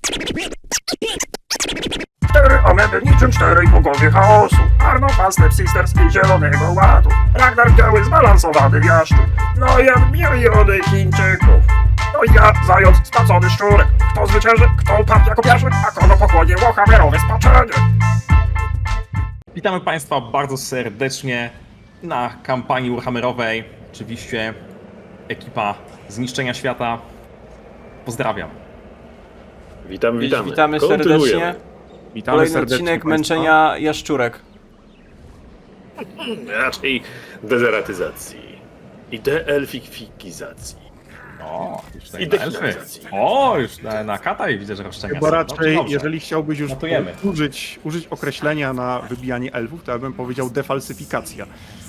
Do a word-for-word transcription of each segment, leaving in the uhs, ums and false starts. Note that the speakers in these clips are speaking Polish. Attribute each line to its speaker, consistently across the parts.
Speaker 1: Cztery ameby niczym czterej bogowie chaosu. Arno, Fastep, Sisters i Zielonego Ładu. Ragnar biały zbalansowany w jaszczu. No i jak miliony Chińczyków. No i ja, zając spacony szczurek. Kto zwycięży, kto upadł jako pierwszy, a kogo pochłonie łochamerowe spaczenie.
Speaker 2: Witamy Państwa bardzo serdecznie na kampanii Warhammerowej. Oczywiście ekipa Zniszczenia Świata. Pozdrawiam.
Speaker 3: Witamy, witamy.
Speaker 4: Witamy
Speaker 3: Kontynuujemy.
Speaker 4: serdecznie.
Speaker 5: Witamy
Speaker 4: Kolejny
Speaker 5: serdecznie
Speaker 4: odcinek
Speaker 5: państwa.
Speaker 4: męczenia jaszczurek.
Speaker 3: Raczej dezeratyzacji i deelfikizacji.
Speaker 2: O, już tutaj
Speaker 3: I
Speaker 2: na elfy.
Speaker 3: definalizacji.
Speaker 2: O, już na, na kata i widzę, że roszczenia
Speaker 5: Chyba
Speaker 2: są.
Speaker 5: raczej,
Speaker 2: Dobrze, dobrze.
Speaker 5: jeżeli chciałbyś już
Speaker 2: Notujemy.
Speaker 5: użyć, użyć określenia na wybijanie elfów, to ja bym powiedział defalsyfikacja.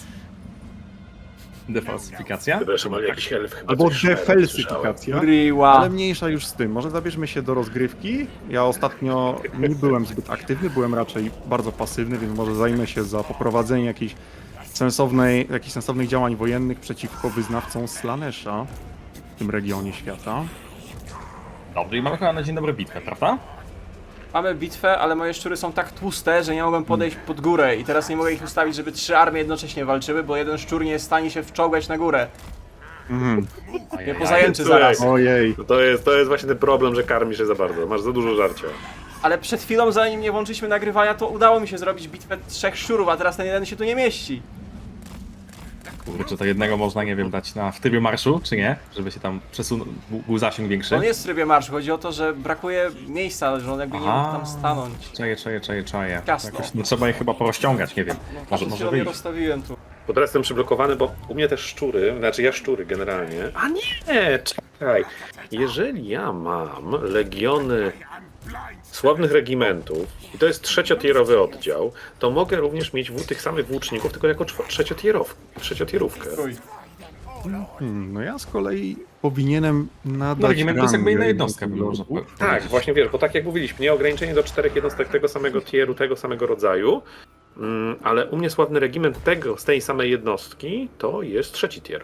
Speaker 2: Defalsyfikacja?
Speaker 3: Przepraszam, ale jakiś elf chyba
Speaker 5: Albo
Speaker 3: coś szmerał,
Speaker 5: defalsyfikacja.
Speaker 4: Riła.
Speaker 5: Ale mniejsza już z tym. Może zabierzmy się do rozgrywki. Ja ostatnio nie byłem zbyt aktywny, byłem raczej bardzo pasywny, więc może zajmę się za poprowadzenie jakiejś sensownej, jakichś sensownych działań wojennych przeciwko wyznawcom Slanesha w tym regionie świata.
Speaker 2: Dobrze, i mamy chyba na dzień dobry bitwę, prawda?
Speaker 4: Mamy bitwę, ale moje szczury są tak tłuste, że nie mogłem podejść pod górę i teraz nie mogę ich ustawić, żeby trzy armie jednocześnie walczyły, bo jeden szczur nie jest w stanie się wczołgać na górę.
Speaker 5: Mhm.
Speaker 4: Nie pozajęczy
Speaker 3: Słuchaj.
Speaker 4: zaraz.
Speaker 5: Ojej.
Speaker 3: No to jest, to jest właśnie ten problem, że karmisz się za bardzo. Masz za dużo żarcia.
Speaker 4: Ale przed chwilą, zanim nie włączyliśmy nagrywania, to udało mi się zrobić bitwę trzech szczurów, a teraz ten jeden się tu nie mieści.
Speaker 2: Kurczę, to jednego można, nie wiem, dać na w trybie marszu, czy nie? Żeby się tam przesunął, był- był zasięg większy.
Speaker 4: On jest w trybie marszu, chodzi o to, że brakuje miejsca, że on jakby nie
Speaker 2: Aha.
Speaker 4: mógł tam stanąć.
Speaker 2: Czaję, czaję, czaję, czaję.
Speaker 4: Ciasno.
Speaker 2: Jakoś nie trzeba je chyba porozciągać, nie wiem.
Speaker 4: No,
Speaker 2: Może,
Speaker 4: przed
Speaker 2: może
Speaker 4: chwilą je
Speaker 2: wyjść.
Speaker 4: rozstawiłem tu.
Speaker 3: Bo teraz jestem przyblokowany, bo u mnie też szczury, znaczy ja szczury generalnie. A nie, czekaj. Jeżeli ja mam legiony sławnych regimentów i to jest trzeciotierowy oddział, to mogę również mieć w tych samych włóczników, tylko jako czwo- trzeciotierow, trzeciotierówkę.
Speaker 4: Trój.
Speaker 5: Hmm, no ja z kolei powinienem nadać
Speaker 2: No, regiment to jest jakby
Speaker 5: rangę
Speaker 2: inna jednostka, bym
Speaker 5: jednego-
Speaker 2: można powiedzieć.
Speaker 3: Tak, właśnie wiesz, bo tak jak mówiliśmy, nie ograniczenie do czterech jednostek tego samego tieru, tego samego rodzaju, mm, ale u mnie sławny regiment tego, z tej samej jednostki to jest trzeci tier.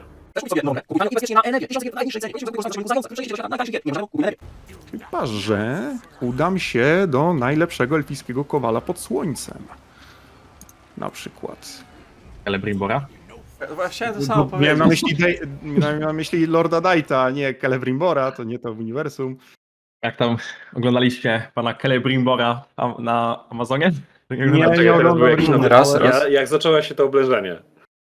Speaker 5: Chyba, że udam się do najlepszego elfickiego kowala pod słońcem. Na przykład.
Speaker 2: Celebrimbora?
Speaker 4: Chciałem to samo
Speaker 5: No, miałem na
Speaker 4: powiedzieć.
Speaker 5: myśli, Dej- miałem na myśli Lorda Daita, a nie Celebrimbora, to nie to uniwersum.
Speaker 2: Jak tam oglądaliście pana Celebrimbora am- na Amazonie? Tak jak
Speaker 5: Nie,
Speaker 2: na-
Speaker 5: nie
Speaker 3: teraz
Speaker 5: oglądam
Speaker 3: był jakiś
Speaker 5: Ringo.
Speaker 3: nowy-
Speaker 4: Raz, raz.
Speaker 3: Ja, jak zaczęło się to oblężenie.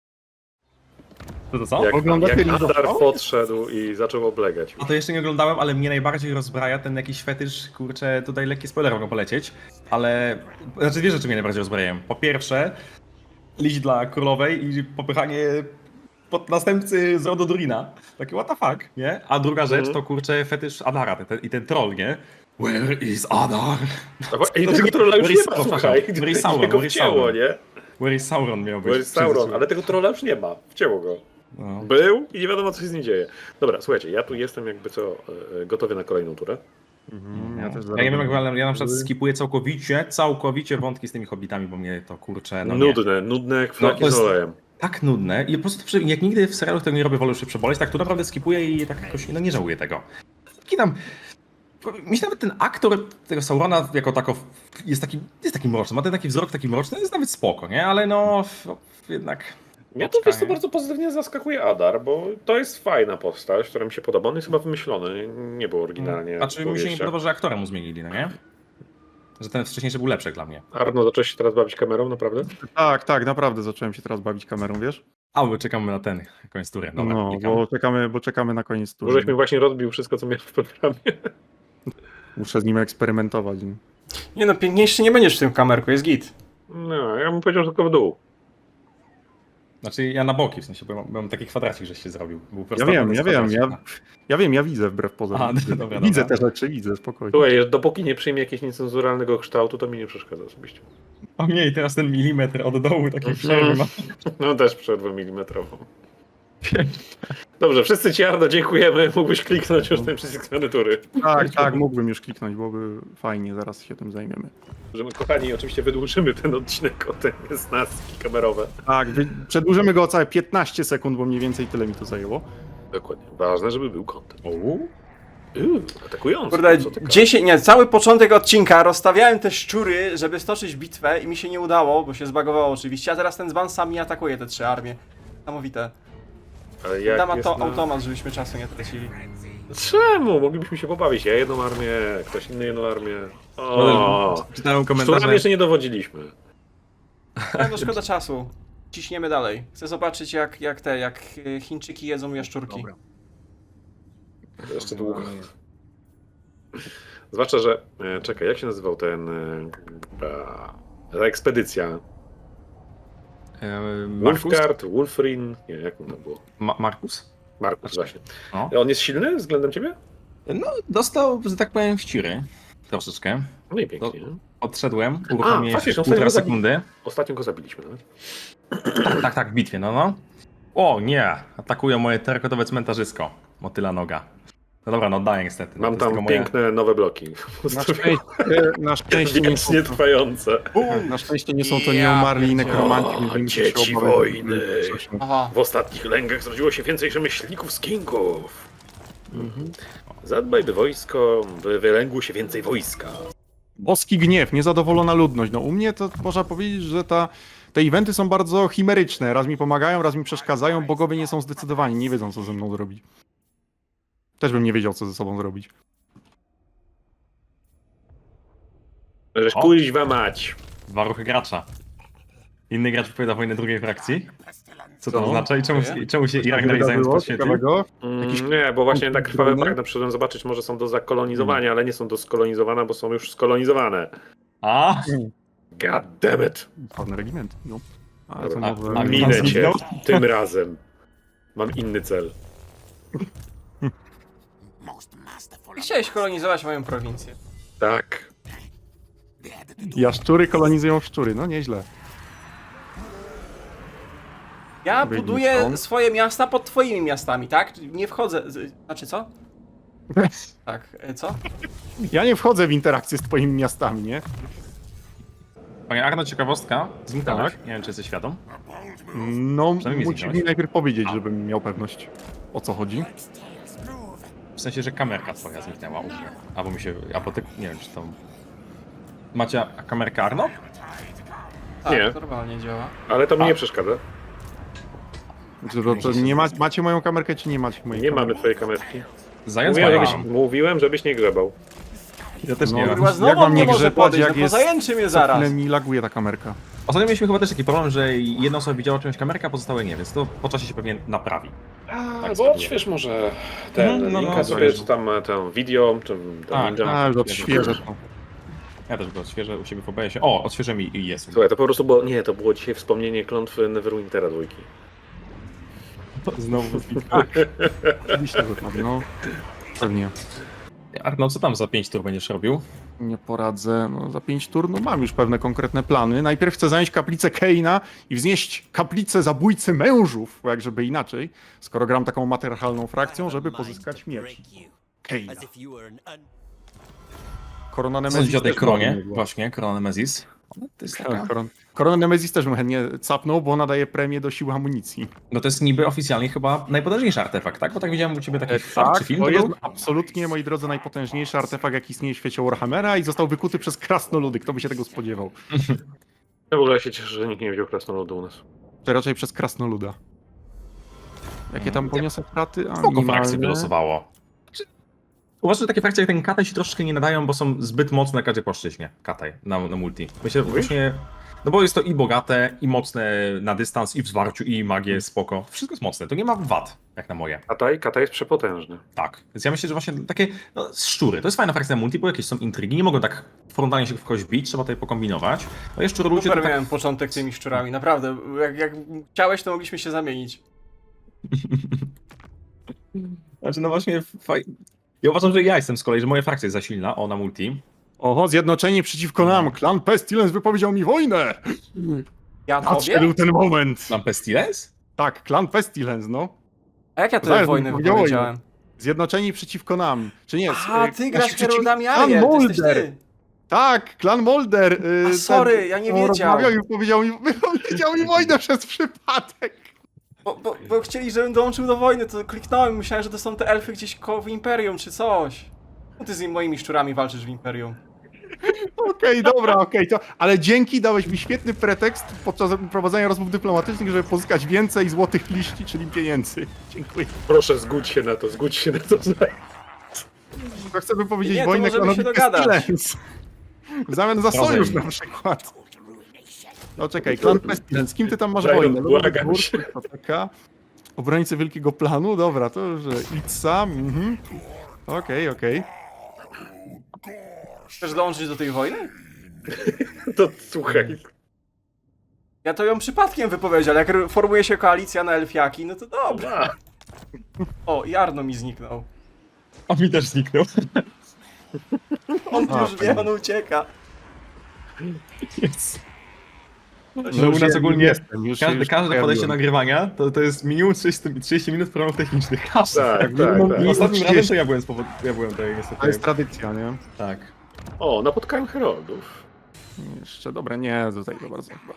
Speaker 2: To, to co?
Speaker 3: Jak,
Speaker 5: Oglądacie
Speaker 3: jak
Speaker 5: Ringo?
Speaker 3: Adar podszedł i zaczął oblegać.
Speaker 2: A to jeszcze nie oglądałem, ale mnie najbardziej rozbraja ten jakiś fetysz, kurczę, tutaj lekkie spoilery mogą polecieć, ale... Znaczy dwie rzeczy mnie najbardziej rozbrajają. Po pierwsze, liść dla królowej i popychanie pod następcy z rodu Durina. Takie what the fuck, nie? A druga rzecz
Speaker 3: Mhm.
Speaker 2: to, kurczę, fetysz Adara ten, ten, i ten troll, nie? Where is Adar?
Speaker 3: I tego trolla już
Speaker 2: Where
Speaker 3: nie
Speaker 2: is
Speaker 3: ma,
Speaker 2: Sauron?
Speaker 3: słuchaj.
Speaker 2: Where is Sauron?
Speaker 3: Jego
Speaker 2: Where is
Speaker 3: wcięło,
Speaker 2: Sauron?
Speaker 3: nie?
Speaker 2: Where is Sauron miał być?
Speaker 3: Where is Sauron, ale tego trolla już nie ma. Wcięło go.
Speaker 2: No.
Speaker 3: Był i nie wiadomo, co się z nim dzieje. Dobra, słuchajcie, ja tu jestem jakby co, e, gotowy na kolejną turę.
Speaker 5: Mhm, ja, też
Speaker 2: Ja nie wiem jak,
Speaker 5: zaraz-
Speaker 2: ale ja na przykład skipuję całkowicie, całkowicie wątki z tymi hobbitami, bo mnie to kurczę, no nie.
Speaker 3: nudne, nudne jak flaki
Speaker 2: to jest-
Speaker 3: z olejem.
Speaker 2: Tak nudne i po prostu przy- jak nigdy w serialu tego nie robię, wolę już się przeboleć, tak tu naprawdę skipuję i tak jakoś, no nie żałuję tego. Taki tam... Mi się nawet ten aktor tego Saurona jako tako jest taki, jest taki mroczny, ma ten taki wzrok taki mroczny, jest nawet spoko, nie? Ale no, no jednak...
Speaker 3: Mnie to wiesz, co
Speaker 2: nie?
Speaker 3: bardzo pozytywnie zaskakuje Adar, bo to jest fajna postać, która mi się podoba. On jest chyba wymyślony, nie było oryginalnie.
Speaker 2: Znaczy
Speaker 3: w
Speaker 2: mi się nie
Speaker 3: powieściach.
Speaker 2: podoba, że aktora mu zmienili, no nie? Że ten wcześniejszy był lepszy dla mnie.
Speaker 3: Arno, zacząłeś się teraz bawić kamerą, naprawdę?
Speaker 5: Tak, tak, naprawdę zacząłem się teraz bawić kamerą, wiesz?
Speaker 2: A, bo czekamy na ten, koniec tury. Dobra,
Speaker 5: No,
Speaker 2: klikam.
Speaker 5: bo czekamy, bo czekamy na koniec
Speaker 3: Bo
Speaker 5: tury.
Speaker 3: żeś mi właśnie rozbił wszystko, co miałem w programie.
Speaker 5: Muszę z nim eksperymentować.
Speaker 4: Nie no, piękniejszy nie będziesz w tym kamerku, jest git.
Speaker 3: No, ja bym powiedział, że tylko w dół.
Speaker 2: Znaczy ja na boki, w sensie, bo ja mam, bo ja mam taki kwadracik, żeś się zrobił. Był
Speaker 5: Ja
Speaker 2: prostokąt
Speaker 5: wiem,
Speaker 2: z
Speaker 5: ja wiem, ja,
Speaker 2: kwadracika.
Speaker 5: ja wiem, ja widzę wbrew pozorom.
Speaker 2: Aha, dobra,
Speaker 5: Widzę
Speaker 2: dobra.
Speaker 5: te rzeczy, widzę, spokojnie.
Speaker 3: Słuchaj, dopóki nie przyjmie jakiegoś niecenzuralnego kształtu, to mi nie przeszkadza osobiście.
Speaker 2: O nie, i teraz ten milimetr od dołu takiej przerwy ma.
Speaker 3: No też przerwę milimetrową. Dobrze, wszyscy ci Arno dziękujemy. Mógłbyś kliknąć już ten przycisk zmiany tury.
Speaker 5: Tak, tak, mógłbym już kliknąć, byłoby fajnie, zaraz się tym zajmiemy.
Speaker 3: Że my, kochani, oczywiście wydłużymy ten odcinek o te niesnaski kamerowe.
Speaker 5: Tak, wy- przedłużymy go o całe piętnaście sekund, bo mniej więcej tyle mi to zajęło.
Speaker 3: Dokładnie. Ważne, żeby był content.
Speaker 2: O,
Speaker 3: Uuu, atakujący.
Speaker 4: Kurde,
Speaker 3: co ty
Speaker 4: dziesięć, nie, cały początek odcinka rozstawiałem te szczury, żeby stoczyć bitwę i mi się nie udało, bo się zbagowało oczywiście, a teraz ten dzban sam mi atakuje te trzy armie. Niesamowite.
Speaker 3: Ale jak
Speaker 4: Dam
Speaker 3: jest
Speaker 4: to
Speaker 3: na...
Speaker 4: automat, żebyśmy czasu nie tracili.
Speaker 3: Czemu? Moglibyśmy się pobawić. Ja jedną armię, ktoś inny jedną armię. O,
Speaker 2: Czytałem
Speaker 3: szczurami
Speaker 2: komentarze.
Speaker 3: jeszcze nie dowodziliśmy.
Speaker 4: Ale no szkoda czasu. Ciśniemy dalej. Chcę zobaczyć jak, jak te, jak y, Chińczyki jedzą jaszczurki.
Speaker 2: Dobra.
Speaker 3: Jeszcze długo. Zwłaszcza, że... E, czekaj, jak się nazywał ten... E, a, ta ekspedycja?
Speaker 2: E, Markus?
Speaker 3: Wolfgard, Wolfrin... Nie, jak to było?
Speaker 2: Ma Markus?
Speaker 3: Markus, właśnie.
Speaker 2: No.
Speaker 3: On jest silny względem ciebie?
Speaker 2: no, dostał, że tak powiem, ściry. Troszeczkę.
Speaker 3: No i pięknie.
Speaker 2: Odszedłem, uruchomiłem
Speaker 3: faktycznie,
Speaker 2: się
Speaker 3: on
Speaker 2: półtora
Speaker 3: sobie
Speaker 2: sekundy.
Speaker 3: Ostatnio go zabiliśmy nawet.
Speaker 2: Tak, tak, tak, w bitwie, no no. O nie, atakują moje terrakotowe cmentarzysko. Motyla noga. No dobra, no oddaję niestety. No,
Speaker 3: Mam
Speaker 2: to jest
Speaker 3: tam
Speaker 2: tylko
Speaker 3: piękne nowe bloki.
Speaker 5: Na szczęście, na szczęście, nie są,
Speaker 3: Wiecznie trwające.
Speaker 5: na szczęście nie są to nieumarli nekromanci.
Speaker 3: O,
Speaker 5: nie będziemy się
Speaker 3: dzieci
Speaker 5: obawiać.
Speaker 3: wojny.
Speaker 4: Aha.
Speaker 3: W ostatnich lęgach zrodziło się więcej rzemieślników z kingów. Zadbaj, by wojsko, by wylęgło się więcej wojska.
Speaker 5: Boski gniew, niezadowolona ludność. No u mnie to można powiedzieć, że ta, te eventy są bardzo chimeryczne. Raz mi pomagają, raz mi przeszkadzają. Bogowie nie są zdecydowani, nie wiedzą co ze mną zrobić. Też bym nie wiedział co ze sobą zrobić.
Speaker 3: Żeś
Speaker 2: O.
Speaker 3: kuźwa mać.
Speaker 2: Dwa ruchy gracza. Inny gracz wypowiada wojnę drugiej frakcji. Co to
Speaker 5: Co?
Speaker 2: oznacza i czemu,
Speaker 4: Dziękuję.
Speaker 2: czemu się Irak
Speaker 5: Coś
Speaker 2: dalej zająć
Speaker 5: wydarzyło
Speaker 2: podświetlił?
Speaker 5: ciekawego?
Speaker 3: Mm, nie, bo właśnie tak krwawe
Speaker 5: trudne?
Speaker 3: bagna przyszedłem zobaczyć, może są do zakolonizowania, ale nie są do skolonizowania, bo są już skolonizowane.
Speaker 2: A,
Speaker 3: God damn it.
Speaker 5: Ładny regiment. No. Ale to
Speaker 3: Dobra,
Speaker 5: może...
Speaker 2: a
Speaker 3: Minę cię
Speaker 2: zginął?
Speaker 3: tym razem. Mam inny cel.
Speaker 4: Chciałeś kolonizować moją prowincję.
Speaker 3: Tak.
Speaker 5: Jaszczury kolonizują szczury, no nieźle.
Speaker 4: Ja
Speaker 5: Wyjdźmy
Speaker 4: buduję
Speaker 5: stąd.
Speaker 4: swoje miasta pod twoimi miastami, tak? Nie wchodzę. z- Znaczy co? Tak, e, co?
Speaker 5: Ja nie wchodzę w interakcję z twoimi miastami, nie?
Speaker 2: panie Arno, ciekawostka. Zniknąłeś.
Speaker 3: Tak.
Speaker 2: Nie wiem, czy jesteś świadom.
Speaker 5: No,
Speaker 2: Przynajmniej
Speaker 5: musisz
Speaker 2: zniknąłeś.
Speaker 5: mi najpierw powiedzieć, żebym miał pewność, o co chodzi.
Speaker 2: W sensie, że kamerka twoja zniknęła u mnie. Albo mi się... Albo ty... Nie wiem, czy to... Macie kamerkę Arno?
Speaker 4: Tak,
Speaker 3: Nie.
Speaker 4: normalnie działa.
Speaker 3: Ale to mi
Speaker 2: A.
Speaker 3: nie przeszkadza.
Speaker 5: Czy to, to nie ma, macie moją kamerkę, czy nie macie mojej
Speaker 3: Nie
Speaker 5: kamerki?
Speaker 3: mamy twojej kamerki.
Speaker 2: Zając
Speaker 3: Mówiłem
Speaker 2: moja
Speaker 3: żebyś,
Speaker 2: mam.
Speaker 3: mówiłem, żebyś nie grzebał.
Speaker 2: Ja też
Speaker 5: No,
Speaker 2: nie mam.
Speaker 4: Kurwa,
Speaker 5: jak
Speaker 4: znowu
Speaker 5: mam
Speaker 4: nie
Speaker 5: nie
Speaker 4: może
Speaker 5: grzebać,
Speaker 4: podejść,
Speaker 5: jak
Speaker 4: no
Speaker 5: jest...
Speaker 4: pozajęczy mnie
Speaker 5: Co
Speaker 4: zaraz.
Speaker 5: chwilę mi laguje ta kamerka.
Speaker 2: Ostatnio mieliśmy chyba też taki problem, że jedna osoba widziała czymś kamerkę, a pozostałe nie, więc to po czasie się pewnie naprawi.
Speaker 3: A,
Speaker 2: Tak
Speaker 3: bo
Speaker 2: spróbuję.
Speaker 3: odśwież może ten
Speaker 2: Mhm, no,
Speaker 3: linka
Speaker 2: no,
Speaker 3: sobie,
Speaker 2: zależy.
Speaker 3: czy tam e, tę video, czy tam
Speaker 2: Tak,
Speaker 3: ninja.
Speaker 5: A, już odświeżę to.
Speaker 2: Ja też go odświeżę u siebie w O B S-ie. O, odświeżę mi i jest.
Speaker 3: Słuchaj, to po prostu było, nie, to było dzisiaj wspomnienie klątwy Neverwintera dwójki.
Speaker 2: Znowu.
Speaker 5: Oczywiście, że tak, no. Pewnie.
Speaker 2: Arno, co tam za pięć tur będziesz robił?
Speaker 5: Nie poradzę. No, za pięć tur no, mam już pewne konkretne plany. Najpierw chcę zająć kaplicę Keina i wznieść kaplicę zabójcy mężów, bo jak żeby inaczej, skoro gram taką matriarchalną frakcją, żeby pozyskać miecz. Keina. Korona
Speaker 2: Co
Speaker 5: Nemezis
Speaker 2: sądzisz o tej
Speaker 5: też
Speaker 2: kronie?
Speaker 5: ładnie była.
Speaker 2: Właśnie, korona Nemezis. Ona to jest
Speaker 5: Tak,
Speaker 2: taka...
Speaker 5: koron... Koronę Nemezis też bym chętnie capnął, bo ona daje premię do siły amunicji.
Speaker 2: No to jest niby oficjalnie chyba najpotężniejszy artefakt, tak? Bo tak widziałem u ciebie taki fan czy film
Speaker 5: to
Speaker 2: to
Speaker 5: jest
Speaker 2: był?
Speaker 5: absolutnie, moi drodzy, najpotężniejszy artefakt, jaki istnieje w świecie Warhammera i został wykuty przez krasnoludy. Kto by się tego spodziewał?
Speaker 3: Ja w ogóle się cieszę, że nikt nie wziął krasnoludu u nas.
Speaker 5: To raczej przez krasnoluda. Jakie tam poniosę straty? A,
Speaker 2: Spoko
Speaker 5: minimalne.
Speaker 2: frakcji wylosowało. Czy- Uważam, że takie frakcje jak ten Kataj się troszeczkę nie nadają, bo są zbyt mocne na każdej płaszczyźnie. Kataj, na, na multi. Myślę, że
Speaker 3: Mówisz?
Speaker 2: właśnie... No bo jest to i bogate, i mocne na dystans, i w zwarciu, i magię, spoko. Wszystko jest mocne, to nie ma wad, jak na moje.
Speaker 3: Kataj, Kataj jest przepotężny.
Speaker 2: Tak. Więc ja myślę, że właśnie takie no, szczury, to jest fajna frakcja na multi, bo jakieś są intrygi, nie mogą tak frontalnie się w kogoś bić, trzeba tutaj pokombinować. No i szczury ludzie to
Speaker 4: Super
Speaker 2: tak...
Speaker 4: miałem początek tymi szczurami, naprawdę. Jak, jak chciałeś, to mogliśmy się zamienić.
Speaker 2: Znaczy no właśnie, faj... ja uważam, że ja jestem z kolei, że moja frakcja jest za silna, o na multi.
Speaker 5: Oho, zjednoczeni przeciwko nam. Klan Pestilence wypowiedział mi wojnę.
Speaker 4: Ja
Speaker 5: Nadszedł
Speaker 4: tobie?
Speaker 5: ten moment.
Speaker 2: Mam Pestilence?
Speaker 5: Tak, klan Pestilence, no.
Speaker 4: A jak ja tę
Speaker 5: Zaraz
Speaker 4: wojnę
Speaker 5: bym powiedział
Speaker 4: wypowiedziałem?
Speaker 5: Zjednoczeni przeciwko nam. Czy nie?
Speaker 4: A,
Speaker 5: y,
Speaker 4: ty
Speaker 5: nasi
Speaker 4: grasz
Speaker 5: przeciw-
Speaker 4: Herodami
Speaker 5: Klan
Speaker 4: Ariel, to jesteś
Speaker 5: Molder.
Speaker 4: ty.
Speaker 5: Tak, klan Molder. y,
Speaker 4: A, sorry, ja nie
Speaker 5: on
Speaker 4: wiedział.
Speaker 5: rozmawiał i powiedział mi, powiedział mi wojnę przez przypadek.
Speaker 4: Bo, bo, bo chcieli, żebym dołączył do wojny, to kliknąłem, myślałem, że to są te elfy gdzieś koło w Imperium czy coś. No ty z moimi szczurami walczysz w Imperium.
Speaker 5: Okej, dobra, okej, to. Ale dzięki dałeś mi świetny pretekst podczas prowadzenia rozmów dyplomatycznych, żeby pozyskać więcej złotych liści, czyli pieniędzy. Dziękuję.
Speaker 3: Proszę, zgódź się na to, zgódź się na to.
Speaker 5: To chcę wypowiedzieć
Speaker 4: Nie, to
Speaker 5: wojnę
Speaker 4: możemy się
Speaker 5: klanowi
Speaker 4: dogadać.
Speaker 5: Pestilence. W zamian za sojusz
Speaker 2: Razem.
Speaker 5: na przykład. No czekaj, klan Pestilence, z kim ty tam masz
Speaker 3: Daj, no,
Speaker 5: wojnę?
Speaker 3: błagam
Speaker 5: Lord
Speaker 3: się.
Speaker 5: Burg, to taka. Obrońcy Wielkiego Planu, dobra, to że idź sam, mhm. Okej, okej.
Speaker 4: Chcesz dołączyć do tej wojny?
Speaker 3: To słuchaj.
Speaker 4: Ja to ją przypadkiem wypowiedział, ale jak formuje się koalicja na elfiaki, no to dobra. O, i Arno mi zniknął.
Speaker 2: A mi też zniknął.
Speaker 5: A,
Speaker 4: On już
Speaker 5: fajnie.
Speaker 4: wie, on ucieka.
Speaker 2: Jest.
Speaker 5: No
Speaker 2: Że u
Speaker 5: już
Speaker 2: nas
Speaker 5: je-
Speaker 2: ogólnie
Speaker 5: jestem, już się-
Speaker 2: każde,
Speaker 5: już
Speaker 2: każde
Speaker 5: pojawiłem.
Speaker 2: podejście nagrywania to, to jest minimum trzydzieści, trzydzieści minut problemów technicznych. Każde.
Speaker 3: Tak, tak,
Speaker 5: minimum
Speaker 3: tak.
Speaker 5: i-
Speaker 2: Ostatnim razem
Speaker 5: trzydzieści.
Speaker 2: to ja byłem z powodu, ja byłem tutaj niestety.
Speaker 5: To jest tradycja, nie?
Speaker 2: Tak.
Speaker 3: O, napotkałem heroldów.
Speaker 5: Jeszcze, dobra, nie, tutaj to bardzo chyba.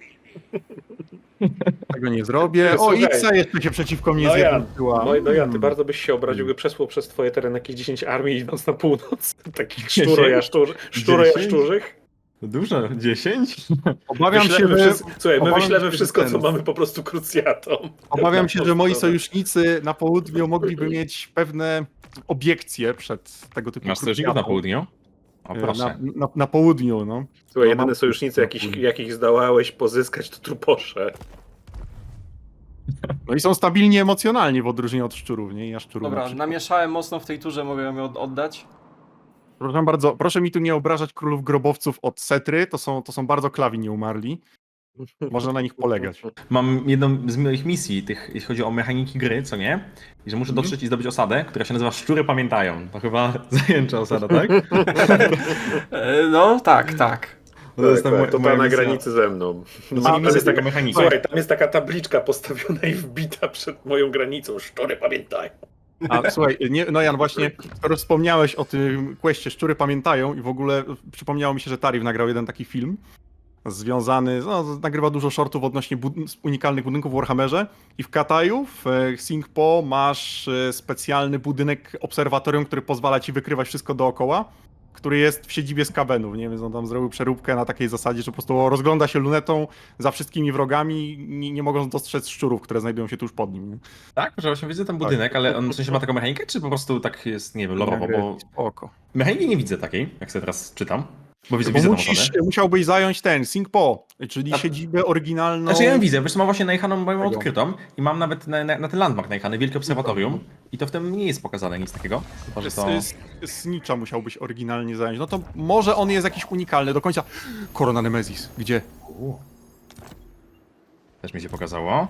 Speaker 5: Tego nie zrobię. O,
Speaker 3: Słuchaj.
Speaker 5: Ixa jeszcze się przeciwko mnie
Speaker 3: No ja,
Speaker 5: zjednoczyła.
Speaker 3: no, no ja, ty
Speaker 5: Hmm.
Speaker 3: bardzo byś się obraził, gdy przesłał przez twoje tereny jakieś dziesięć armii idąc na północ. Takich
Speaker 2: dziesięć?
Speaker 3: szczurojaszczurzy, szczurojaszczurzych.
Speaker 2: Dużo? dziesięć?
Speaker 5: Obawiam się,
Speaker 3: Wyślemy
Speaker 5: że,
Speaker 3: wszystko, słuchaj, my
Speaker 5: obawiam
Speaker 3: wyślemy
Speaker 5: się, że
Speaker 3: wszystko,
Speaker 5: ten-
Speaker 3: co mamy po prostu krucjatą.
Speaker 5: obawiam się, że moi
Speaker 3: Na
Speaker 5: sojusznicy na południu mogliby mieć pewne obiekcje przed tego typu
Speaker 2: Masz sojuszników na południu? O
Speaker 5: E,
Speaker 2: proszę.
Speaker 5: Na, na, na południu, no.
Speaker 3: Słuchaj,
Speaker 5: No, mam-
Speaker 3: jedyne sojusznicy, jakich, jakich zdołałeś pozyskać, to truposze.
Speaker 5: No i są stabilni emocjonalnie w odróżnieniu od szczurów, nie? Ja szczurów na
Speaker 4: Dobra,
Speaker 5: przykład.
Speaker 4: namieszałem mocno w tej turze, mogę ją od- oddać.
Speaker 5: Proszę bardzo, proszę mi tu nie obrażać królów grobowców od Setry, to są, to są bardzo klawi nie umarli. Można na nich polegać.
Speaker 2: Mam jedną z moich misji, tych, jeśli chodzi o mechaniki gry, co nie? I że muszę
Speaker 5: Mhm.
Speaker 2: dotrzeć i zdobyć osadę, która się nazywa Szczury Pamiętają. To chyba zajęcza osada, tak?
Speaker 4: E, no, tak, tak.
Speaker 2: To
Speaker 3: Tak,
Speaker 2: jest ta
Speaker 3: tak,
Speaker 2: moja-
Speaker 3: to
Speaker 2: moja
Speaker 3: ta na
Speaker 2: misja.
Speaker 3: granicy ze mną.
Speaker 2: No,
Speaker 3: Tam
Speaker 2: zajmijmy
Speaker 3: jest
Speaker 2: się
Speaker 3: taka,
Speaker 2: tego mechanika.
Speaker 3: słuchaj, tam jest taka tabliczka postawiona i wbita przed moją granicą. Szczury pamiętają.
Speaker 5: A słuchaj, nie, no Jan, właśnie, skoro wspomniałeś o tym questie Szczury Pamiętają i w ogóle przypomniało mi się, że Tarif nagrał jeden taki film związany, no, nagrywa dużo shortów odnośnie bud unikalnych budynków w Warhammerze i w Kataju, w e, Singpo masz e, specjalny budynek obserwatorium, który pozwala ci wykrywać wszystko dookoła, który jest w siedzibie Skabenów, nie? Więc on tam zrobił przeróbkę na takiej zasadzie, że po prostu rozgląda się lunetą za wszystkimi wrogami, nie, nie mogąc dostrzec szczurów, które znajdują się tuż pod nim. Nie?
Speaker 2: Tak, że właśnie widzę ten budynek, ale on w sensie ma taką mechanikę, czy po prostu tak jest, nie wiem, lorowo, bo
Speaker 5: Spoko.
Speaker 2: mechaniki nie widzę takiej, jak sobie teraz czytam. Bo widzę,
Speaker 5: Bo
Speaker 2: widzę tą
Speaker 5: musisz,
Speaker 2: osadę.
Speaker 5: musiałbyś zająć ten Singpo, czyli
Speaker 2: A-
Speaker 5: siedzibę oryginalną.
Speaker 2: Znaczy ja ją widzę, wiesz, mam właśnie najechaną moją
Speaker 5: Tego.
Speaker 2: odkrytą i mam nawet na, na, na ten landmark najechany, wielkie obserwatorium i to w tym nie jest pokazane nic takiego. Chyba, że to...
Speaker 5: Z, z, Snicza musiałbyś oryginalnie zająć. No to może on jest jakiś unikalny do końca. Korona Nemesis, gdzie?
Speaker 2: Też mi się pokazało.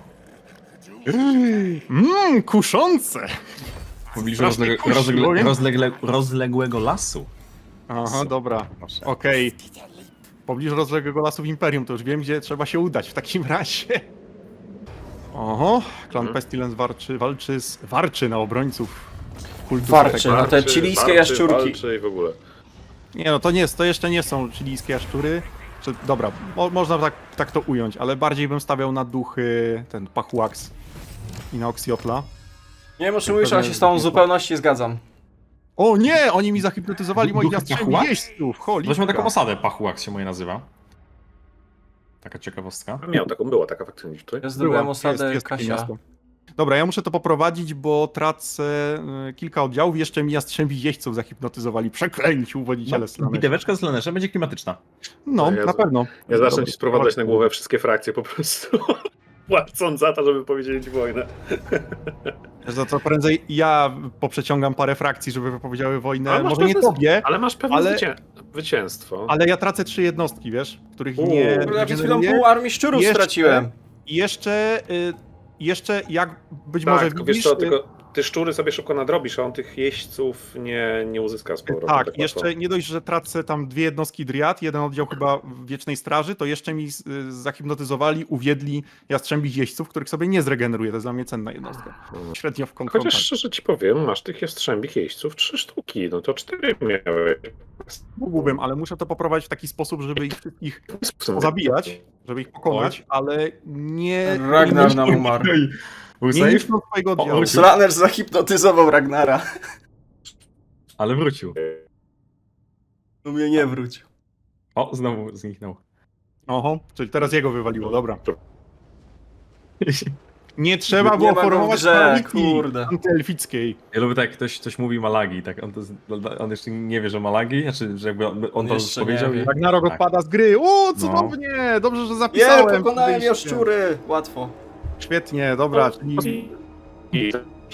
Speaker 5: Mmm, kuszące!
Speaker 2: W pobliżu
Speaker 5: Strasznie
Speaker 2: rozlegle,
Speaker 5: kusi,
Speaker 2: rozlegle,
Speaker 5: powiem.
Speaker 2: rozlegle, rozległego lasu.
Speaker 5: Aha, dobra.
Speaker 2: Proszę.
Speaker 5: Okej. W pobliżu rozległego lasu w Imperium, to już wiem, gdzie trzeba się udać w takim razie. Oho, klan
Speaker 3: Mhm.
Speaker 5: Pestilence walczy, walczy, z, warczy na obrońców kultu
Speaker 4: Warczy.
Speaker 5: Setego.
Speaker 4: No te chilijskie jaszczurki.
Speaker 3: Walczy i w ogóle.
Speaker 5: Nie no, to nie jest, to jeszcze nie są chilijskie jaszczury. Czy, dobra, mo, można tak, tak to ująć, ale bardziej bym stawiał na duchy ten Pachuax i na Oxiotla.
Speaker 4: Nie wiem, o czym mówisz, ale się z tą w zupełności zgadzam.
Speaker 5: O nie, oni mi zahipnotyzowali moich
Speaker 2: Duchy
Speaker 5: jastrzębi
Speaker 2: Pachuax?
Speaker 5: jeźdźców,
Speaker 2: Weźmy
Speaker 5: cholipka.
Speaker 2: taką osadę, Pachuax się moje nazywa. Taka ciekawostka.
Speaker 3: Miał taką, była taka faktycznie tutaj.
Speaker 4: Ja zdobyłem
Speaker 5: Była,
Speaker 4: osadę
Speaker 5: jest, jest takie
Speaker 4: Kasia.
Speaker 5: miasto. Dobra, ja muszę to poprowadzić, bo tracę y, kilka oddziałów, jeszcze mi jastrzębi jeźdźców zahipnotyzowali. Przeklęci uwodziciele
Speaker 2: No,
Speaker 5: Slaneshi.
Speaker 2: biteweczka z Leneszem będzie klimatyczna.
Speaker 5: No,
Speaker 3: Ja
Speaker 5: na
Speaker 3: z-
Speaker 5: pewno.
Speaker 3: Ja zacznę
Speaker 5: Dobra,
Speaker 3: ci sprowadzać
Speaker 5: dobra.
Speaker 3: na głowę wszystkie frakcje po prostu. Płacąc za to, żeby powiedzieć wojnę.
Speaker 5: Za co prędzej ja poprzeciągam parę frakcji, żeby wypowiedziały wojnę.
Speaker 3: Ale masz
Speaker 5: Może nie
Speaker 3: pewne-
Speaker 5: tobie,
Speaker 3: Ale masz pewne
Speaker 5: Ale-
Speaker 3: zwycię... zwycięstwo.
Speaker 5: ale ja tracę trzy jednostki, wiesz, których
Speaker 3: Uuu.
Speaker 5: nie
Speaker 4: Kurde, ja przed chwilą
Speaker 5: generuję.
Speaker 4: pół armii szczurów
Speaker 5: Jeszcze-
Speaker 4: straciłem.
Speaker 5: I jeszcze, y, jeszcze jak być
Speaker 3: tak,
Speaker 5: może
Speaker 3: tylko
Speaker 5: widzisz...
Speaker 3: wiesz co,
Speaker 5: y,
Speaker 3: tylko ty szczury sobie szybko nadrobisz, a on tych jeźdźców nie, nie uzyska z powrotem.
Speaker 5: Tak,
Speaker 3: łatwo.
Speaker 5: jeszcze nie dość, że tracę tam dwie jednostki Dryad, jeden oddział chyba w Wiecznej Straży, to jeszcze mi z- y, zahipnotyzowali, uwiedli jastrzębich jeźdźców, których sobie nie zregeneruję, to jest dla mnie cenna jednostka. Średnio w
Speaker 3: Chociaż
Speaker 5: konfrontacji.
Speaker 3: szczerze ci powiem, masz tych jastrzębich jeźdźców trzy sztuki, no to cztery miałeś.
Speaker 5: Mógłbym, ale muszę to poprowadzić w taki sposób, żeby ich wszystkich zabijać żeby ich pokonać, ale nie...
Speaker 4: Ragnar
Speaker 5: nie,
Speaker 4: nam umarł.
Speaker 2: Był
Speaker 5: nie
Speaker 2: safe,
Speaker 5: niszczą swojego oddziału.
Speaker 2: wrócił.
Speaker 4: Slaner zahipnotyzował Ragnara.
Speaker 2: ale wrócił.
Speaker 4: No mnie nie wrócił.
Speaker 2: O, znowu zniknął.
Speaker 5: Oho, czyli teraz jego wywaliło, dobra. Nie trzeba
Speaker 4: Nie
Speaker 5: było
Speaker 4: ma go w
Speaker 5: formować
Speaker 4: grze,
Speaker 5: paralitki
Speaker 4: kurde.
Speaker 5: antyelfickiej.
Speaker 2: Ja lubię tak, jak ktoś coś mówi Malagi, tak on, to, on jeszcze nie wie, że Malagi, znaczy, że jakby on, on to
Speaker 4: Jeszcze nie
Speaker 2: powiedział
Speaker 4: wie.
Speaker 2: i...
Speaker 5: Ragnarok
Speaker 2: Tak.
Speaker 5: odpada z gry. O, cudownie! Dobrze, że
Speaker 4: Nie,
Speaker 5: zapisałem.
Speaker 4: pokonałem
Speaker 5: Podejście.
Speaker 4: jaszczury! Łatwo.
Speaker 5: Świetnie, dobra, czyli...
Speaker 3: I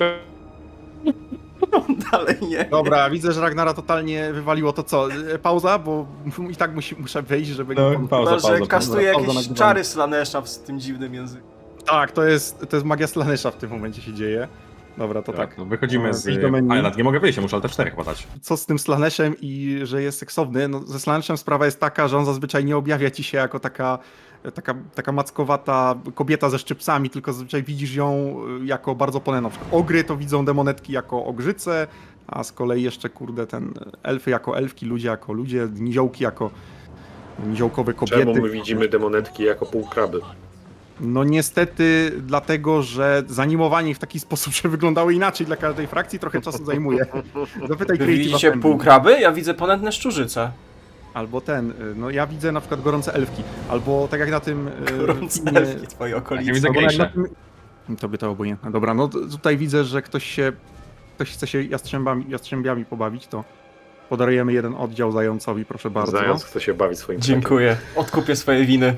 Speaker 4: Dalej nie.
Speaker 5: Dobra, widzę, że Ragnara totalnie wywaliło to co? E, Pauza, bo i tak musi, muszę wyjść, żeby...
Speaker 2: No,
Speaker 5: nie-
Speaker 2: pauza,
Speaker 4: Chyba, że
Speaker 2: pauza,
Speaker 4: kastuje
Speaker 5: pauza
Speaker 4: jakieś
Speaker 5: nagrywania.
Speaker 4: czary Slanesha z tym dziwnym językiem.
Speaker 5: Tak, to jest, to jest magia Slanesha w tym momencie się dzieje. Dobra, to tak.
Speaker 2: Tak, no wychodzimy z...
Speaker 5: Wyjść do menu.
Speaker 2: A, ja nawet nie mogę wyjść, ja muszę Alt F cztery podać.
Speaker 5: Co z tym Slaneshem i że jest seksowny? No, ze Slaneshem sprawa jest taka, że on zazwyczaj nie objawia ci się jako taka, taka, taka mackowata kobieta ze szczypcami, tylko zazwyczaj widzisz ją y, jako bardzo ponę. Na przykład ogry to widzą demonetki jako ogrzyce, a z kolei jeszcze, kurde, ten elfy jako elfki, ludzie jako ludzie, niziołki jako niziołkowe kobiety.
Speaker 3: czemu my widzimy demonetki jako półkraby?
Speaker 5: No niestety dlatego, że zanimowanie ich w taki sposób, że wyglądały inaczej dla każdej frakcji, trochę czasu zajmuje. Zapytaj
Speaker 4: Wy
Speaker 5: Creative
Speaker 4: widzicie
Speaker 5: Assembly.
Speaker 4: półkraby? Ja widzę ponętne szczurzyce.
Speaker 5: Albo ten, y, no ja widzę na przykład gorące elfki, albo tak jak na tym... y,
Speaker 4: Gorące
Speaker 5: filmie-
Speaker 4: elfki twoje
Speaker 2: Ja
Speaker 4: okolice.
Speaker 2: widzę
Speaker 5: albo jak na
Speaker 2: gejsze.
Speaker 5: tym... Tobie to obojętne. Dobra, no to tutaj widzę, że ktoś się... Ktoś chce się jastrzębami, jastrzębiami pobawić, to podarujemy jeden oddział zającowi, proszę bardzo.
Speaker 3: Zając chce się bawić swoim
Speaker 4: Dziękuję. Odkupię swoje winy.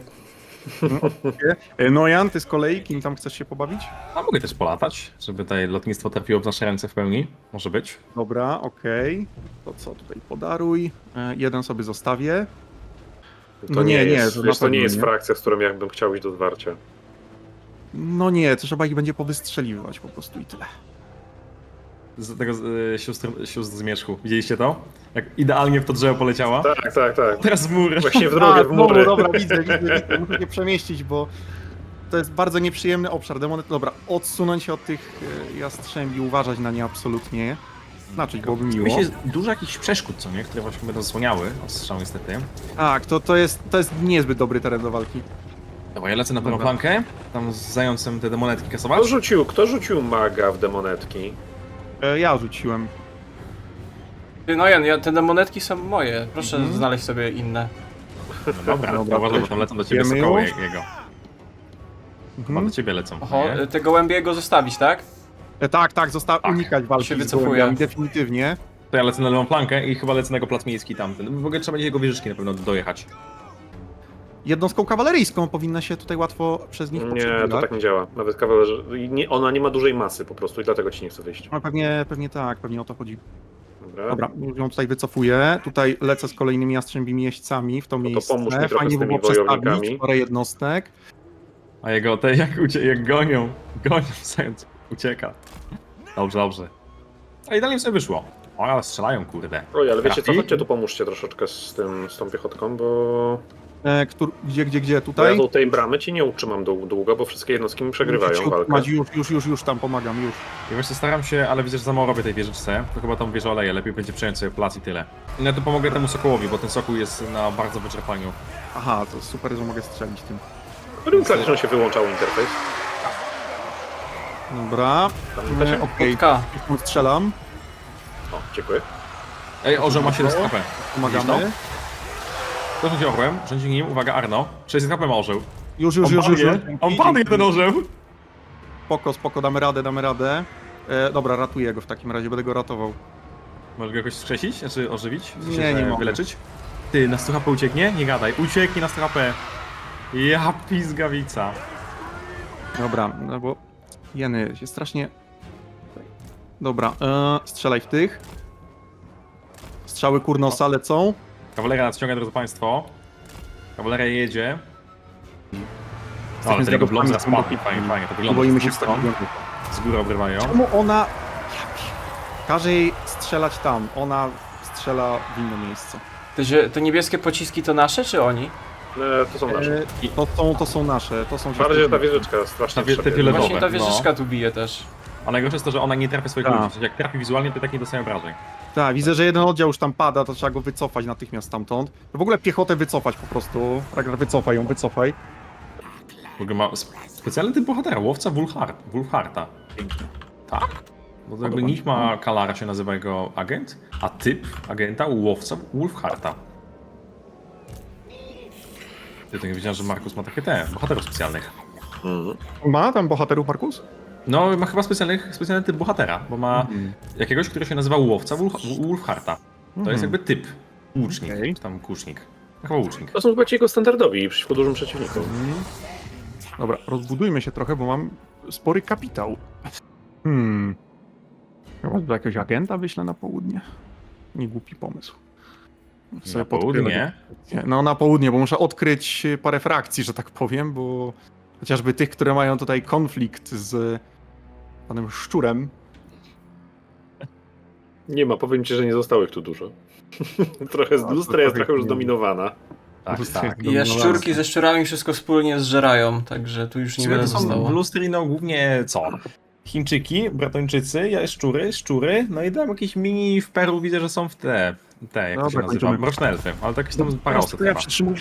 Speaker 5: Y, Nojan, ty z kolei, kim tam chcesz się pobawić?
Speaker 2: A mogę też polatać, żeby tutaj lotnictwo trafiło w nasze ręce w pełni. Może być.
Speaker 5: Dobra, okej. To co tutaj podaruj? Y, Jeden sobie zostawię.
Speaker 3: To
Speaker 5: No nie, nie,
Speaker 3: jest,
Speaker 5: to na
Speaker 3: wiesz, to nie
Speaker 5: pewno
Speaker 3: jest
Speaker 5: nie.
Speaker 3: frakcja, z którą ja bym chciał iść do zwarcia.
Speaker 5: No nie, trzeba ich będzie powystrzeliwać po prostu i tyle.
Speaker 2: Z tego y, sióstr, sióstr zmierzchu. Widzieliście to? Jak idealnie w to drzewo poleciała.
Speaker 3: Tak, tak, tak.
Speaker 2: Teraz w mur.
Speaker 3: Właśnie w drogę, w
Speaker 5: znowu,
Speaker 3: mury.
Speaker 5: dobra, widzę, widzę, widzę. Muszę się przemieścić, bo to jest bardzo nieprzyjemny obszar. Demony, dobra, odsunąć się od tych e, jastrzębi, uważać na nie absolutnie. Znaczy, byłoby miło.
Speaker 2: Myślę, jest dużo jakichś przeszkód, co nie? Które właśnie będą zasłaniały od strzału niestety.
Speaker 5: Tak, to, to, jest, to jest niezbyt dobry teren do walki.
Speaker 2: Dobra, ja lecę na prawą
Speaker 5: Dobra.
Speaker 2: flankę. Tam z zającem te demonetki
Speaker 3: Kto
Speaker 2: kasować.
Speaker 3: rzucił, kto rzucił maga w demonetki?
Speaker 5: E, ja rzuciłem.
Speaker 4: Ty, No Jan, ja, te demonetki są moje. Proszę
Speaker 5: Mhm.
Speaker 4: znaleźć sobie inne.
Speaker 2: No dobra,
Speaker 5: Dobra,
Speaker 2: uważaj, bo tam lecą do ciebie
Speaker 5: wiemy
Speaker 2: sokoły
Speaker 5: już.
Speaker 2: je- jego. Chyba
Speaker 5: Mhm.
Speaker 2: do ciebie lecą.
Speaker 4: Oho,
Speaker 2: nie?
Speaker 4: te gołębie go zostawić, tak?
Speaker 5: E, tak, tak, został
Speaker 2: Tak.
Speaker 5: unikać walki
Speaker 4: Się
Speaker 5: z
Speaker 4: wycofuję.
Speaker 5: gołębiami, definitywnie.
Speaker 2: To ja lecę na lewą flankę i chyba lecę na jego plac miejski tamten. W ogóle trzeba będzie jego wieżyczki na pewno dojechać.
Speaker 5: Jednostką kawaleryjską powinna się tutaj łatwo przez nich
Speaker 3: Nie,
Speaker 5: przebiegać.
Speaker 3: to tak nie działa. Nawet kawalerze... i nie, ona nie ma dużej masy po prostu i dlatego ci nie chce wyjść.
Speaker 5: No, pewnie, pewnie tak, pewnie o to chodzi.
Speaker 3: Dobra.
Speaker 5: Dobra, już ją tutaj wycofuję. Tutaj lecę z kolejnymi jastrzębimi jeźdźcami w to
Speaker 3: No to
Speaker 5: miejsce.
Speaker 3: pomóż mi trochę
Speaker 5: Fajnie
Speaker 3: z
Speaker 5: by
Speaker 3: tymi
Speaker 5: było przestawić
Speaker 3: wojownikami.
Speaker 5: parę jednostek.
Speaker 2: A jego te jak, ucie jak gonią, gonią zając, ucieka. Dobrze, dobrze. A idealnie sobie wyszło. O, ale strzelają, kurde.
Speaker 3: Oj, ale wiecie co,
Speaker 2: Trafi?
Speaker 3: chodźcie tu pomóżcie troszeczkę z tym, z tą piechotką, bo
Speaker 5: E, któr, gdzie, gdzie, gdzie?
Speaker 3: bo ja
Speaker 5: Tutaj?
Speaker 3: do tej bramy ci nie utrzymam dłu- długo, bo wszystkie jednostki mi przegrywają
Speaker 5: Musicie
Speaker 3: walkę.
Speaker 5: utrzymać, Już, już, już, już tam pomagam, już.
Speaker 2: Ja właśnie staram się, ale widzę, że za mało robię tej wieżyczce. To chyba tą wieżę oleję, lepiej będzie przejąć sobie plac i tyle. No to pomogę temu sokołowi, bo ten sokół jest na bardzo wyczerpaniu.
Speaker 5: Aha, to super, że mogę strzelić tym.
Speaker 3: W którym klawiszem się wyłączał interfejs?
Speaker 5: Dobra,
Speaker 3: Tam
Speaker 5: e,
Speaker 3: da się...
Speaker 5: okej,
Speaker 4: K.
Speaker 5: okay. strzelam,
Speaker 3: O, dziękuję.
Speaker 2: Ej, orzeł ma siedemset H P.
Speaker 5: pomagamy.
Speaker 2: To rządzi orłem, rządzi nim, uwaga, Arno. sześćset H P ma orzeł.
Speaker 5: Już, już,
Speaker 2: On
Speaker 5: już, już.
Speaker 2: padnie,
Speaker 5: już.
Speaker 2: on padnie ten orzeł.
Speaker 5: Spoko, spoko, damy radę, damy radę. E, dobra, ratuję go w takim razie, będę go ratował.
Speaker 2: Możesz go jakoś skrzesić, znaczy ożywić? W sensie,
Speaker 5: Nie, nie
Speaker 2: że
Speaker 5: mogę.
Speaker 2: wyleczyć? Ty, na sto H P ucieknie? Nie gadaj, ucieknie na sto H P. Ja pizgawica.
Speaker 5: Dobra, no bo jeny się strasznie... Dobra, e, strzelaj w tych. Strzały kurnosa lecą.
Speaker 2: Kawaleria nadciąga, drodzy państwo. Kawaleria jedzie.
Speaker 5: Z
Speaker 2: No, ale
Speaker 5: takim
Speaker 2: ten jego
Speaker 5: zgadowcami
Speaker 2: blok spadł,
Speaker 5: głębokimi.
Speaker 2: fajnie, fajnie, to
Speaker 5: Nie
Speaker 2: wygląda.
Speaker 5: boimy
Speaker 2: z
Speaker 5: się
Speaker 2: dwóch
Speaker 5: stąd.
Speaker 2: stron. Z góry obrywają.
Speaker 5: Czemu ona... Ja pier- Każe jej strzelać tam, ona strzela w inne miejsce.
Speaker 4: Te, zie- te niebieskie pociski to nasze, czy oni?
Speaker 3: E, to są nasze.
Speaker 5: E, to, są, to są nasze, to są...
Speaker 3: Bardziej, że ta wieżyczka strasznie
Speaker 2: Ta wie- te
Speaker 3: trzepie.
Speaker 2: fioletowe.
Speaker 4: Właśnie ta
Speaker 2: no.
Speaker 4: wieżyczka tu bije też.
Speaker 2: A najgorsze jest to, że ona nie trafia swoich
Speaker 5: Tak.
Speaker 2: ludzi. W sensie, jak trafi wizualnie, to i tak nie dostaje obrażeń.
Speaker 5: Tak, widzę, że jeden oddział już tam pada, to trzeba go wycofać natychmiast stamtąd. W ogóle piechotę wycofać po prostu. Ragnar, wycofaj ją, wycofaj.
Speaker 2: W ogóle ma sp- specjalny typ bohatera, łowca Wulfhart, Wulfharta. Tak? Bo to jakby
Speaker 5: Podoba mi
Speaker 2: nick
Speaker 5: się.
Speaker 2: ma Kalara, się nazywa jego agent, a typ agenta łowca Wulfharta. Ja tak wiedziałem, że Markus ma takie te, bohaterów specjalnych.
Speaker 3: Mhm.
Speaker 5: Ma tam bohaterów Markus?
Speaker 2: No, ma chyba specjalnych, specjalny typ bohatera, bo ma
Speaker 5: Mhm.
Speaker 2: jakiegoś, który się nazywa łowca Wulf- Wulfharta. To
Speaker 5: Mhm.
Speaker 2: jest jakby typ. Łucznik,
Speaker 5: Okej.
Speaker 2: czy tam kusznik. Chyba łucznik.
Speaker 3: To są chyba ci jego standardowi przeciwko dużym przeciwnikom.
Speaker 5: Dobra, rozbudujmy się trochę, bo mam spory kapitał. Hmm. Chyba do jakiegoś agenta wyślę na południe. Nie głupi pomysł. Sobie
Speaker 2: Na
Speaker 5: podkryję-
Speaker 2: południe.
Speaker 5: No na południe, bo muszę odkryć parę frakcji, że tak powiem, bo chociażby tych, które mają tutaj konflikt z panem Szczurem.
Speaker 3: Nie ma, powiem ci, że nie zostało ich tu dużo. trochę z
Speaker 5: No, to
Speaker 3: lustra jest
Speaker 5: trochę
Speaker 3: trochę już
Speaker 5: nie.
Speaker 3: zdominowana.
Speaker 2: Tak,
Speaker 5: Lustry-
Speaker 2: tak.
Speaker 4: I jaszczurki ze szczurami wszystko wspólnie zżerają, także tu już
Speaker 2: W
Speaker 4: niewiele
Speaker 2: sumie to są
Speaker 4: zostało.
Speaker 2: w Lustri, no głównie co? Chińczyki, Bratończycy, jaszczury, szczury, no i tam jakieś mini w Peru widzę, że są w te, te jak to się
Speaker 5: Dobra,
Speaker 2: nazywa,
Speaker 5: kończymy.
Speaker 2: mroczne elfy, ale to jakieś tam parę
Speaker 5: Teraz
Speaker 2: osób
Speaker 5: to ja
Speaker 2: chyba.
Speaker 5: przytrzymuję.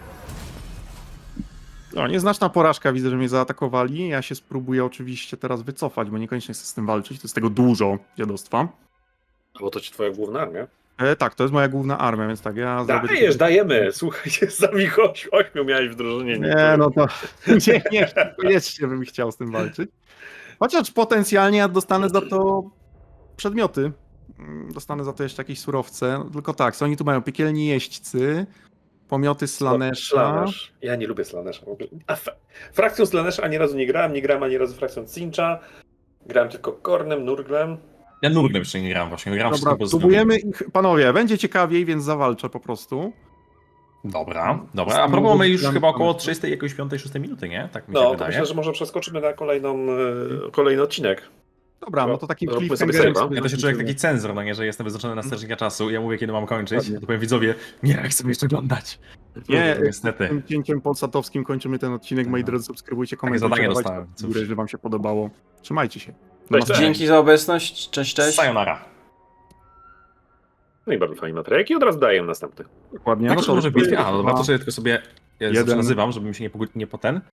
Speaker 5: No, nieznaczna porażka, widzę, że mnie zaatakowali. Ja się spróbuję oczywiście teraz wycofać, bo niekoniecznie chcę z tym walczyć. To jest tego dużo dziadostwa.
Speaker 3: Bo to ci twoja główna armia.
Speaker 5: E, tak, to jest moja główna armia, więc tak, ja zrobię...
Speaker 3: Dajesz, dajemy! Słuchaj, jest za ich oś- ośmiu miałeś w drużynie.
Speaker 5: Nie, no to nie, nie, koniecznie bym chciał z tym walczyć. Chociaż potencjalnie ja dostanę za to przedmioty. Mm, Dostanę za to jeszcze jakieś surowce. Tylko tak, co oni tu mają? Piekielni jeźdźcy, pomioty Slanesha.
Speaker 3: Slanesh. Ja nie lubię Slanesha w ogóle. A f- frakcją Slanesha ani razu nie grałem, nie grałem ani razu frakcją Cincha. Grałem tylko Kornem, Nurglem.
Speaker 2: Ja nurglem jeszcze nie gram właśnie, gram
Speaker 5: Dobra,
Speaker 2: wszystko poza
Speaker 5: próbujemy ich, panowie, będzie ciekawiej, więc zawalczę po prostu.
Speaker 2: Dobra, dobra. A
Speaker 5: Samym
Speaker 2: propos, mamy już
Speaker 5: Nurglem
Speaker 2: chyba około
Speaker 5: pomysł.
Speaker 2: trzydziestej, jakoś piątej, szóstej minuty, nie? Tak mi się
Speaker 3: No, to
Speaker 2: wydaje.
Speaker 3: myślę, że może przeskoczymy na kolejną, e, kolejny odcinek.
Speaker 5: Dobra, no to takim
Speaker 3: Zróbmy sobie
Speaker 5: cliffhangerem
Speaker 3: save'a.
Speaker 5: sobie
Speaker 2: Ja to się czuję jak
Speaker 5: zakończymy.
Speaker 2: taki cenzor, no nie, że jestem wyznaczony na strażnika czasu. Ja mówię, kiedy mam kończyć.
Speaker 5: Dokładnie.
Speaker 2: To powiem widzowie, nie, chcę jeszcze oglądać.
Speaker 5: Nie,
Speaker 2: No, niestety.
Speaker 5: tym cięciem polsatowskim kończymy ten odcinek. Moi drodzy, subskrybujcie, komentujcie,
Speaker 2: zadanie
Speaker 5: dawajcie
Speaker 2: dostałem,
Speaker 5: w
Speaker 2: cóż.
Speaker 5: górę, jeżeli wam się podobało. Trzymajcie się. Do
Speaker 3: Cześć,
Speaker 5: następnego.
Speaker 3: cześć.
Speaker 4: Dzięki za obecność, cześć, cześć.
Speaker 2: Sayonara.
Speaker 3: No i bardzo fajny materiał. I od razu daję następny.
Speaker 5: Dokładnie.
Speaker 2: Tak,
Speaker 5: no
Speaker 2: że
Speaker 5: to
Speaker 2: może w bitwie? A, no dobra,
Speaker 5: dwa,
Speaker 2: to sobie tylko sobie ja
Speaker 5: jeden.
Speaker 2: zawsze nazywam, żeby mi się nie, pogu- nie poten.